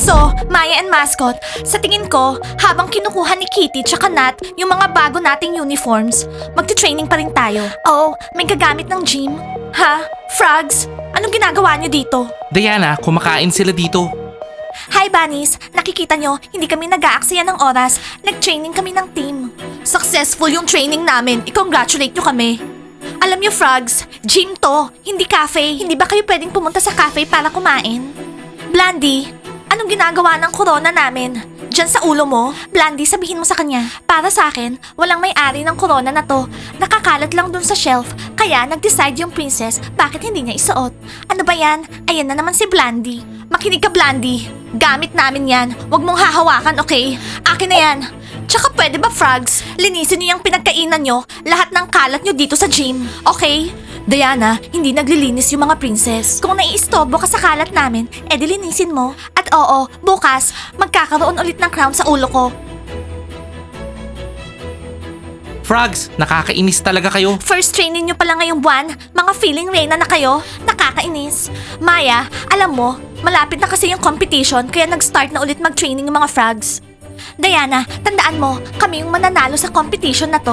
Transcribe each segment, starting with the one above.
So, Maya and Mascot, sa tingin ko, habang kinukuha ni Kitty tsaka Nat yung mga bago nating uniforms, magti-training pa rin tayo. Oh, may gagamit ng gym. Ha? Frogs? Anong ginagawa niyo dito? Diana, kumakain sila dito. Hi, Bunnies! Nakikita nyo, hindi kami nag-aaksaya ng oras. Nag-training kami ng team. Successful yung training namin. I-congratulate nyo kami. Alam nyo, Frogs, gym to, hindi cafe. Hindi ba kayo pwedeng pumunta sa cafe para kumain? Blandy, anong ginagawa ng corona namin? Diyan sa ulo mo? Blandy, sabihin mo sa kanya. Para sa akin, walang may-ari ng corona na to. Nakakalat lang dun sa shelf. Kaya nag-decide yung princess bakit hindi niya isuot. Ano ba yan? Ayan na naman si Blandy. Makinig ka, Blandy. Gamit namin yan. Huwag mong hahawakan, okay? Akin na yan. Tsaka pwede ba, Frogs? Linisin niyo yung pinagkainan nyo, lahat ng kalat nyo dito sa gym. Okay? Diana, hindi naglilinis yung mga princess. Kung naiistobo ka sa kalat namin, edi linisin mo. At oo, bukas, magkakaroon ulit ng crown sa ulo ko. Frogs, nakakainis talaga kayo. First training nyo pala ngayong buwan, mga feeling reyna na kayo, nakakainis. Maya, alam mo, malapit na kasi yung competition kaya nag-start na ulit mag-training yung mga frogs. Diana, tandaan mo, kami yung mananalo sa competition na to.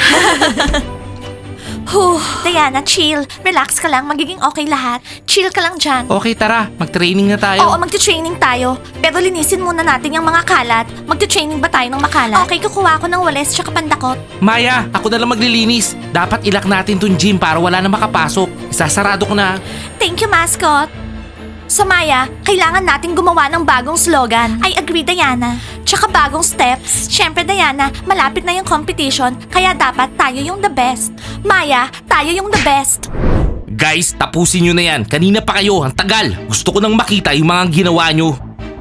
Diana, chill. Relax ka lang, magiging okay lahat. Chill ka lang dyan. Okay, tara, mag-training na tayo. Oo, magti-training tayo. Pero linisin muna natin yung mga kalat. Magti-training ba tayo ng makalat? Okay, kukuha ako ng wales tsaka pandakot. Maya, ako na lang maglilinis. Dapat ilak natin tong gym para wala na makapasok. Isasarado ko na. Thank you, mascot. Sa Maya, kailangan nating gumawa ng bagong slogan. I agree, Diana. Tsaka bagong steps. Siyempre, Diana, malapit na yung competition, kaya dapat tayo yung the best. Maya, tayo yung the best. Guys, tapusin nyo na yan. Kanina pa kayo, ang tagal. Gusto ko nang makita yung mga ginawa nyo.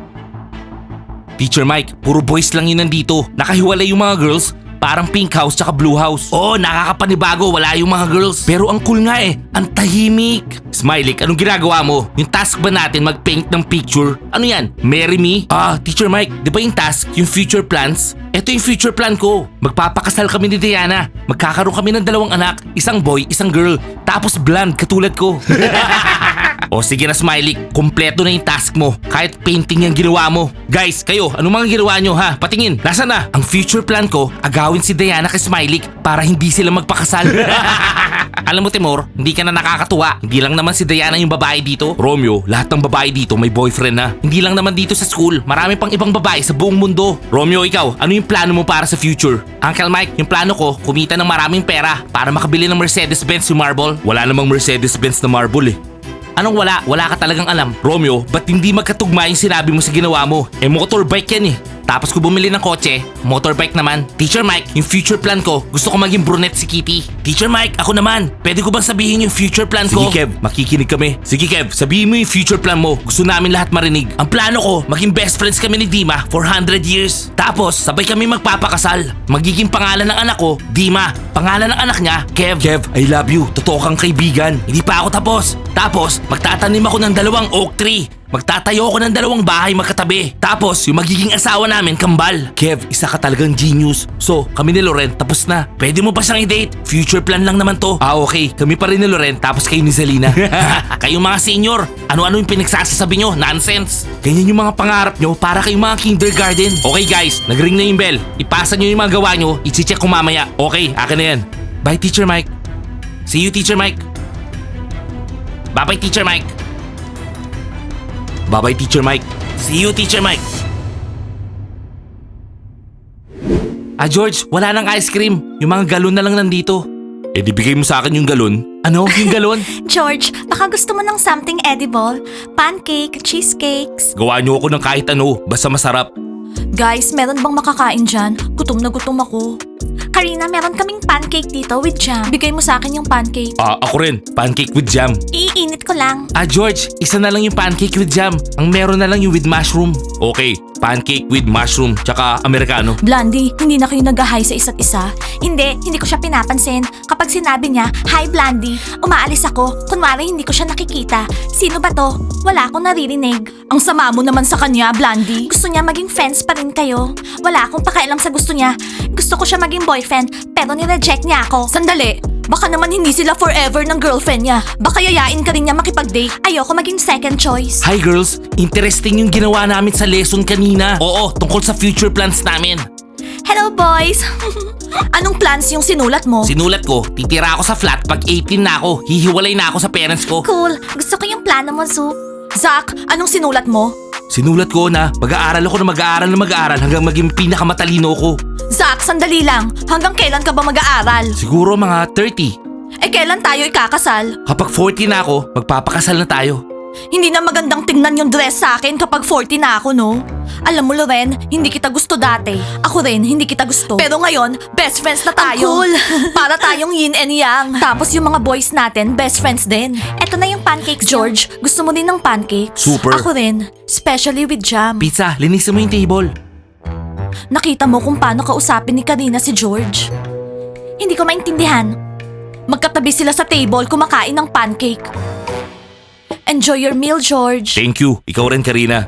Teacher Mike, puro boys lang yun nandito. Nakahiwalay yung mga girls. Parang pink house tsaka blue house. Oo, nakakapanibago, wala yung mga girls. Pero ang cool nga ang tahimik. Smiley, anong ginagawa mo? Yung task ba natin mag-paint ng picture? Ano yan? Marry me? Teacher Mike, di ba yung task, yung future plans? Ito yung future plan ko. Magpapakasal kami ni Diana. Magkakaroon kami ng 2 anak, isang boy, isang girl. Tapos blonde, katulad ko. O sige na Smiley, kumpleto na yung task mo. Kahit painting yung ginawa mo. Guys, kayo, anong mga ginawa nyo ha? Patingin, nasa na? Ang future plan ko, agawin si Diana kay Smiley para hindi sila magpakasal. Alam mo Timur, hindi ka na nakakatuwa. Hindi lang naman si Diana yung babae dito. Romeo, lahat ng babae dito may boyfriend na. Hindi lang naman dito sa school, marami pang ibang babae sa buong mundo. Romeo, ikaw, ano yung plano mo para sa future? Uncle Mike, yung plano ko, kumita ng maraming pera para makabili ng Mercedes-Benz yung marble. Wala namang Mercedes-Benz na marble Anong wala? Wala ka talagang alam. Romeo, ba't hindi magkatugma yung sinabi mo sa ginawa mo? Motorbike yan Tapos ko bumili ng kotse, motorbike naman. Teacher Mike, yung future plan ko, gusto ko maging brunette si Kitty. Teacher Mike, ako naman. Pwede ko bang sabihin yung future plan ko? Sige Kev, makikinig kami. Sige Kev, sabihin mo yung future plan mo. Gusto namin lahat marinig. Ang plano ko, maging best friends kami ni Dima for 100 years. Tapos, sabay kami magpapakasal. Magiging pangalan ng anak ko, Dima. Pangalan ng anak niya, Kev. Kev, I love you. Totoo kang kaibigan. Hindi pa ako tapos. Tapos, magtatanim ako ng 2 oak tree. Magtatayo ako ng 2 bahay magkatabi. Tapos, yung magiging asawa namin, kambal. Kev, isa ka talagang genius. So, kami ni Loren, tapos na. Pwede mo pa siyang i-date. Future plan lang naman to. Okay. Kami pa rin ni Loren, tapos kayo ni Zalina. Kayong mga senior, ano-ano yung pinagsasasabi nyo? Nonsense. Ganyan yung mga pangarap nyo para kayong mga kindergarten. Okay guys, nag-ring na yung bell. Ipasa nyo yung mga gawa nyo, i-check ko mamaya. Okay, akin na yan. Bye, Teacher Mike. See you, Teacher Mike. Bye-bye, Teacher Mike. Bye-bye, Teacher Mike. See you, Teacher Mike. George, wala nang ice cream. Yung mga galon na lang nandito. Di bigay mo sa akin yung galon. Ano? Yung galon? George, baka gusto mo ng something edible? Pancake, cheesecakes. Gawa niyo ako ng kahit ano, basta masarap. Guys, meron bang makakain dyan? Gutom na gutom ako. Karina, meron kaming pancake dito with jam. Bigay mo sa akin yung pancake. Ako rin. Pancake with jam. Iinit ko lang. George, isa na lang yung pancake with jam. Ang meron na lang yung with mushroom. Okay, pancake with mushroom, tsaka americano. Blondie, hindi na kayo nag-hi sa isa't isa? Hindi ko siya pinapansin. Kapag sinabi niya, hi Blondie, umaalis ako. Kunwari hindi ko siya nakikita. Sino ba to? Wala akong naririnig. Ang sama mo naman sa kanya, Blondie. Gusto niya maging friends pa rin kayo. Wala akong pakialam sa gusto niya. Gusto ko siya maging boyfriend, pero nireject niya ako. Sandali, Baka naman hindi sila forever ng girlfriend niya. Baka yayain ka rin niya makipag-date. Ayoko maging second choice. Hi girls, interesting yung ginawa namin sa lesson kanina. Oo, tungkol sa future plans namin. Hello boys! Anong plans yung sinulat mo? Sinulat ko, titira ako sa flat pag 18 na ako. Hihiwalay na ako sa parents ko. Cool. Gusto ko yung plano mo, Zoop. Zach, anong sinulat mo? Sinulat ko na mag-aaral ako na mag-aaral hanggang maging pinakamatalino ko. Zach, sandali lang. Hanggang kailan ka ba mag-aaral? Siguro mga 30. Eh, kailan tayo ikakasal? Kapag 40 na ako, magpapakasal na tayo. Hindi na magandang tingnan yung dress sa akin kapag 40 na ako, no? Alam mo, Loren, hindi kita gusto dati. Ako rin, hindi kita gusto. Pero ngayon, best friends na tayo. Ang cool! Para tayong yin and yang. Tapos yung mga boys natin, best friends din. Eto na yung pancakes. George, gusto mo din ng pancakes? Super. Ako rin, especially with jam. Pizza, linisin mo yung table. Nakita mo kung paano kausapin ni Karina si George? Hindi ko maintindihan. Magkatabi sila sa table kumakain ng pancake. Enjoy your meal, George. Thank you. Ikaw rin, Karina.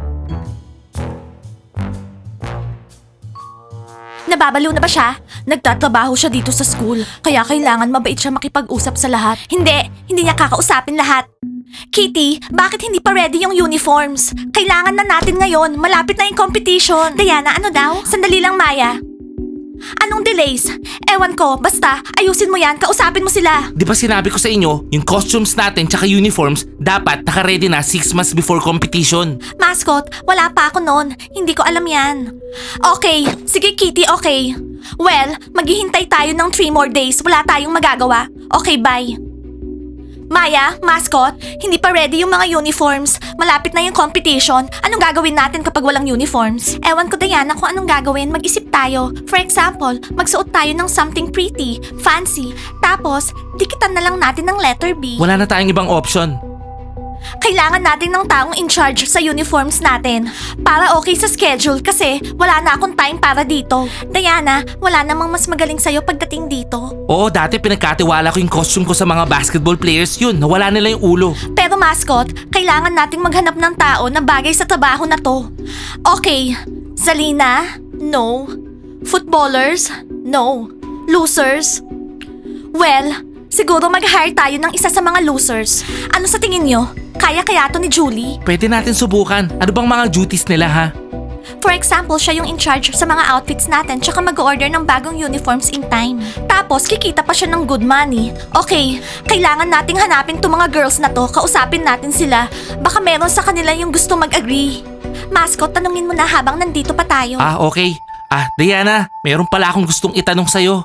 Nababalo na ba siya? Nagtatrabaho siya dito sa school, kaya kailangan mabait siya makipag-usap sa lahat. Hindi niya kakausapin lahat. Kitty, bakit hindi pa ready yung uniforms? Kailangan na natin ngayon, malapit na yung competition. Diana, ano daw? Sandali lang, Maya. Anong delays? Ewan ko, basta ayusin mo yan, kausapin mo sila. Di ba sinabi ko sa inyo, yung costumes natin tsaka uniforms, dapat naka-ready na 6 months before competition. Mascot, wala pa ako noon. Hindi ko alam yan. Okay, sige Kitty, okay. Well, maghihintay tayo ng 3 more days. Wala tayong magagawa. Okay, bye. Maya, Mascot, hindi pa ready yung mga uniforms. Malapit na yung competition. Anong gagawin natin kapag walang uniforms? Ewan ko, Diana, kung anong gagawin. Mag-isip tayo. For example, magsuot tayo ng something pretty, fancy. Tapos, dikitan na lang natin ng letter B. Wala na tayong ibang option. Kailangan natin ng taong in charge sa uniforms natin. Para okay sa schedule kasi wala na akong time para dito. Diana, wala namang mas magaling sa'yo pagdating dito. Oo, dati pinagkatiwala ko yung costume ko sa mga basketball players yun. Nawala nila yung ulo. Pero mascot, kailangan nating maghanap ng tao na bagay sa trabaho na to. Okay, Zalina? No. Footballers? No. Losers? Well, siguro mag-hire tayo ng isa sa mga losers. Ano sa tingin nyo? Kaya to ni Julie? Pwede natin subukan. Ano bang mga duties nila ha? For example, siya yung in charge sa mga outfits natin tsaka mag-order ng bagong uniforms in time. Tapos, kikita pa siya ng good money. Okay, kailangan nating hanapin tong mga girls na to, kausapin natin sila. Baka meron sa kanila yung gusto mag-agree. Mascot, tanungin mo na habang nandito pa tayo. Ah, okay. Diana, meron pala akong gustong itanong sa'yo.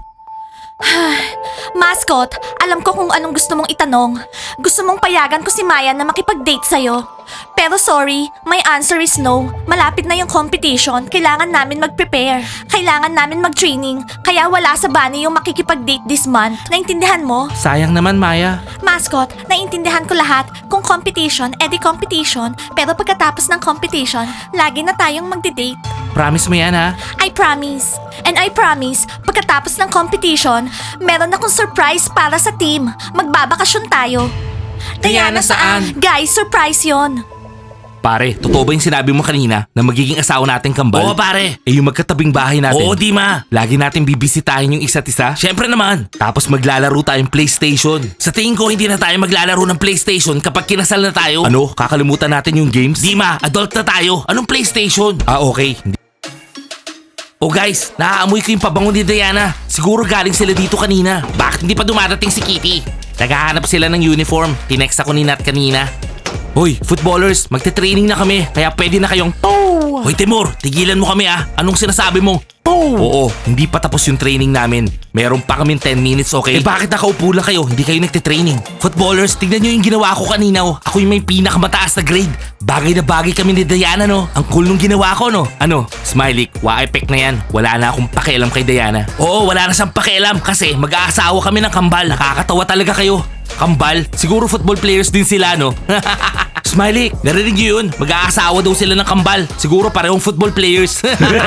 Mascot, alam ko kung anong gusto mong itanong. Gusto mong payagan ko si Maya na makipag-date sa'yo. Pero sorry, my answer is no. Malapit na yung competition, kailangan namin mag-prepare. Kailangan namin mag-training, kaya wala sa Bunny yung makikipag-date this month. Naintindihan mo? Sayang naman, Maya. Mascot, naintindihan ko lahat. Kung competition, edi competition. Pero pagkatapos ng competition, lagi na tayong magde-date. Promise mo yan ha? I promise. And I promise, pagkatapos ng competition, meron akong surprise para sa team. Magbabakasyon tayo. Diana, saan? Guys, surprise yon. Pare, totoo ba yung sinabi mo kanina na magiging asawa nating kambal? Oo pare. Yung magkatabing bahay natin. Oo, Dima. Lagi natin bibisitahin yung isa't isa. Siyempre naman. Tapos maglalaro tayong PlayStation. Sa tingin ko, hindi na tayo maglalaro ng PlayStation kapag kinasal na tayo. Ano? Kakalimutan natin yung games? Dima, adult na tayo. Anong PlayStation? Okay. Oh guys, naaamoy ko yung pabango ni Diana. Siguro galing sila dito kanina. Bakit hindi pa dumadating si Kitty? Naghahanap sila ng uniform. Tinext ako ni Nat kanina. Hoy, footballers, magte-training na kami. Kaya pwede na kayong Hoy Timur, tigilan mo kami ah. Anong sinasabi mo? Oo, hindi pa tapos yung training namin. Meron pa kaming 10 minutes, okay? Bakit nakaupo lang kayo? Hindi kayo nagte-training. Footballers, tignan nyo yung ginawa ko kanina oh. Ako yung may pinakamataas na grade. Bagay na bagay kami ni Diana no. Ang cool nung ginawa ko no. Ano? Smiley, wa-effect na yan. Wala na akong pakialam kay Diana. Oo, wala na siyang pakialam kasi mag-aasawa kami ng kambal. Nakakatawa talaga kayo. Kambal? Siguro football players din sila no? Smiley, narinig nyo yun? Mag-aasawa daw sila ng kambal. Siguro parehong football players.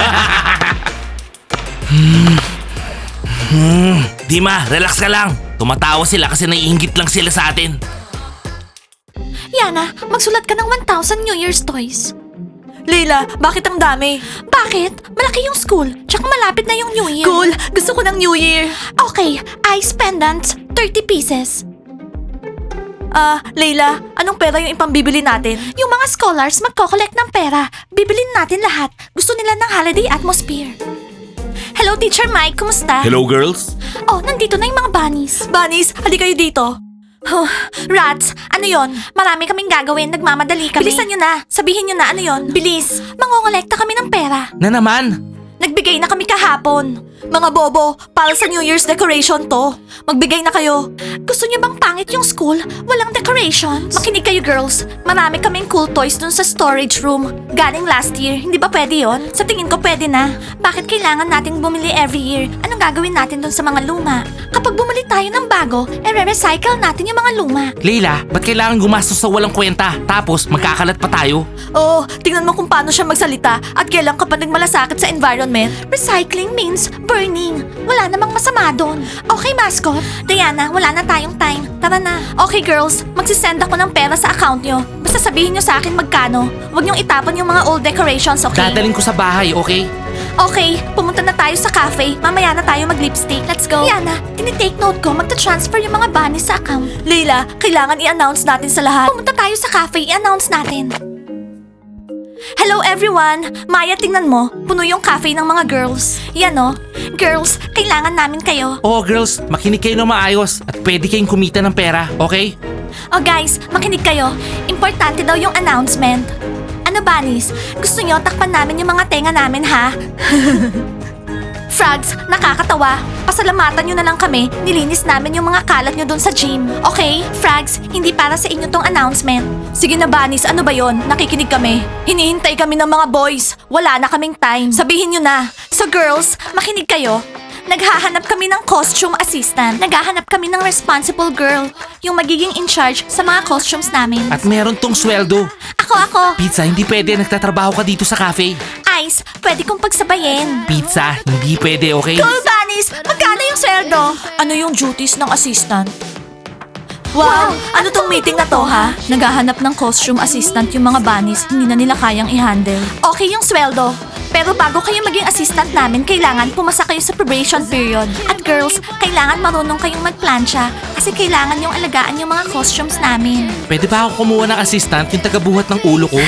Dima, relax ka lang. Tumatawa sila kasi naiinggit lang sila sa atin. Yana, magsulat ka ng 1,000 New Year's toys. Leila, bakit ang dami? Bakit? Malaki yung school, tsaka malapit na yung New Year. Cool! Gusto ko ng New Year. Okay, ice pendants, 30 pieces. Leila, anong pera yung ipambibili natin? Yung mga scholars magko-collect ng pera. Bibilin natin lahat. Gusto nila ng holiday atmosphere. Hello, Teacher Mike. Kumusta? Hello, girls? Oh, nandito na yung mga bunnies. Bunnies, hali kayo dito. Rats, ano yon? Marami kaming gagawin, nagmamadali kami. Bilisan nyo na, sabihin nyo na ano yon. Bilis, mangongolekta kami ng pera. Na naman? Nagbigay na kami kahapon. Mga bobo, para sa New Year's decoration to. Magbigay na kayo. Gusto niyo bang pangit yung school? Walang decorations? Makinig kayo girls. Marami kaming cool toys dun sa storage room. Galing last year. Hindi ba pwede yon? Sa tingin ko pwede na. Bakit kailangan nating bumili every year? Anong gagawin natin dun sa mga luma? Kapag bumili tayo ng bago, recycle natin yung mga luma. Leila, ba't kailangan gumastos sa walang kwenta? Tapos magkakalat pa tayo? Oh, tingnan mo kung paano siya magsalita at kailan ka pa nagmalasakit sa environment. Recycling means burning. Wala namang masama doon. Okay, mascot? Diana, wala na tayong time. Tara na. Okay, girls. Magsisend ako ng pera sa account nyo. Basta sabihin nyo sa akin magkano. Huwag nyong itapon yung mga old decorations, okay? Dadaling ko sa bahay, okay? Okay, pumunta na tayo sa cafe. Mamaya na tayo mag-lipstick. Let's go. Diana, tinitake note ko. Magta-transfer yung mga bunnies sa account. Leila, kailangan i-announce natin sa lahat. Pumunta tayo sa cafe, i-announce natin. Hello everyone! Maya, tingnan mo. Puno yung cafe ng mga girls. Yan o. Girls, kailangan namin kayo. Oh, girls, makinig kayo ng maayos at pwede kayong kumita ng pera, okay? Oh guys, makinig kayo. Importante daw yung announcement. Ano, bunnies? Gusto nyo takpan namin yung mga tenga namin, ha? Frogs, nakakatawa. Pasalamatan nyo na lang kami. Nilinis namin yung mga kalat nyo dun sa gym. Okay? Frogs, hindi para sa inyo tong announcement. Sige na, bunnies. Ano ba yon? Nakikinig kami. Hinihintay kami ng mga boys. Wala na kaming time. Sabihin nyo na. So girls, makinig kayo. Naghahanap kami ng costume assistant. Naghahanap kami ng responsible girl. Yung magiging in charge sa mga costumes namin. At meron tong sweldo. Ako. Pizza, hindi pwede. Nagtatrabaho ka dito sa cafe. Ice, pwede kong pagsabayin. Pizza, hindi pwede, okay? Cool, bunnies! Magkano yung sweldo? Ano yung duties ng assistant? Wow! Ano tong meeting na to, ha? Naghahanap ng costume assistant yung mga bunnies. Hindi na nila kayang i-handle. Okay yung sweldo. Pero bago kayo maging assistant namin, kailangan pumasa kayo sa probation period. At girls, kailangan marunong kayong magplansya kasi kailangan yung alagaan yung mga costumes namin. Pwede ba ako kumuha ng assistant yung tagabuhat ng ulo ko?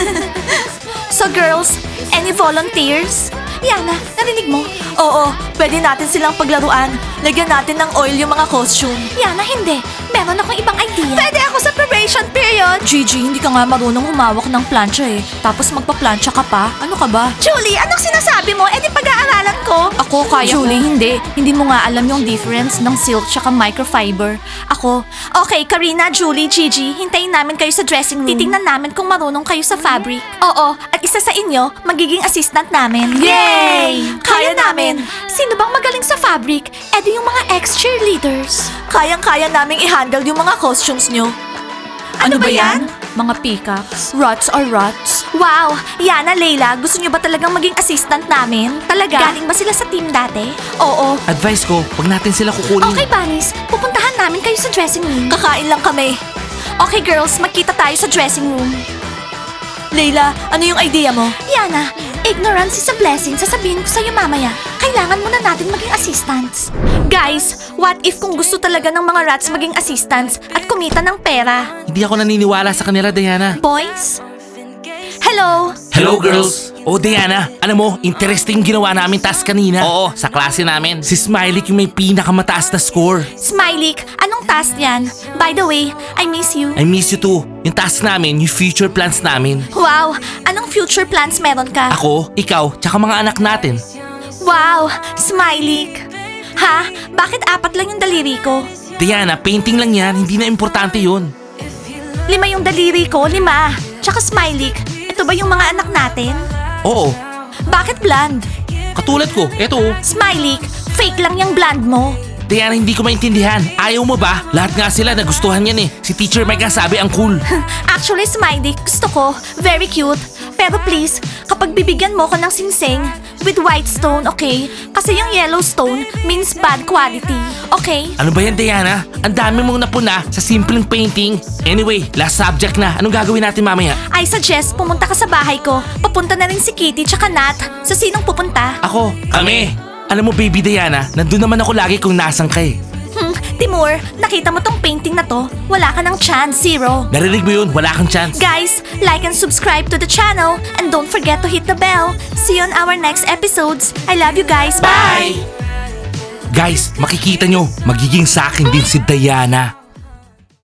So girls, any volunteers? Yana, narinig mo? Oo, pwede natin silang paglaruan. Lagyan natin ng oil yung mga costume. Yana, hindi. Meron akong ibang idea. Pwede ako sa probation period. Gigi, hindi ka nga marunong humawak ng plancha eh. Tapos magpa-plancha ka pa? Ano ka ba? Julie, anong sinasabi mo? Eh di pag-aaralan ko. Ako, kaya Julie, hindi. Hindi mo nga alam yung difference ng silk tsaka microfiber. Ako. Okay, Karina, Julie, Gigi, hintayin namin kayo sa dressing room. Titingnan namin kung marunong kayo sa fabric. Oo, at isa sa inyo, magiging assistant namin. Yay! Kaya namin! Sino bang magaling sa fabric? E di yung mga ex-cheerleaders. Kayang-kaya naming i-handle yung mga costumes nyo. Ano ba yan? Mga peacocks. Rots or rots. Wow! Yana, Leila, gusto nyo ba talagang maging assistant namin? Talaga? Galing ba sila sa team dati? Oo. Advice ko, wag natin sila kukunin. Okay, bunnies. Pupuntahan namin kayo sa dressing room. Kakain lang kami. Okay, girls. Magkita tayo sa dressing room. Leila, ano yung idea mo? Yana, ignorance is a blessing. Sasabihin ko sa'yo mamaya. Kailangan muna natin maging assistants. Guys, what if kung gusto talaga ng mga rats maging assistants at kumita ng pera? Hindi ako naniniwala sa kanila, Diana. Boys? Hello? Hello, girls! Oh, Diana, alam mo, interesting ginawa namin task kanina. Oo, sa klase namin. Si Smiley yung may pinakamataas na score. Smiley, anong task yan? By the way, I miss you. I miss you too. Yung task namin, yung future plans namin. Wow, anong future plans meron ka? Ako, ikaw, tsaka mga anak natin. Wow, Smiley. Ha? Bakit apat lang yung daliri ko? Diana, painting lang yan, hindi na importante yun. 5 yung daliri ko, 5. Tsaka Smiley, ito ba yung mga anak natin? Oo, Bakit blonde? katulad ko, eto. Smiley, fake lang yung blonde mo. Diana, hindi ko maintindihan. Ayaw mo ba? Lahat nga sila nagustuhan yan eh. Si Teacher Mike nga sabi ang cool. Actually, Smiley, gusto ko. Very cute. Pero please, kapag bibigyan mo ko ng singsing, with white stone, okay? Kasi yung yellow stone means bad quality, okay? Ano ba yan, Diana? Ang dami mong napuna sa simpleng painting. Anyway, last subject na. Anong gagawin natin mamaya? I suggest pumunta ka sa bahay ko. Papunta na rin si Kitty tsaka Nat. So sinong pupunta? Ako. Kami. Alam mo, baby Diana, nandun naman ako lagi kung nasan ka eh. Timur, nakita mo tong painting na to? Wala ka ng chance, zero. Narinig mo yun? Wala kang chance. Guys, like and subscribe to the channel and don't forget to hit the bell. See you on our next episodes. I love you guys. Bye! Guys, makikita nyo, magiging sa akin din si Diana.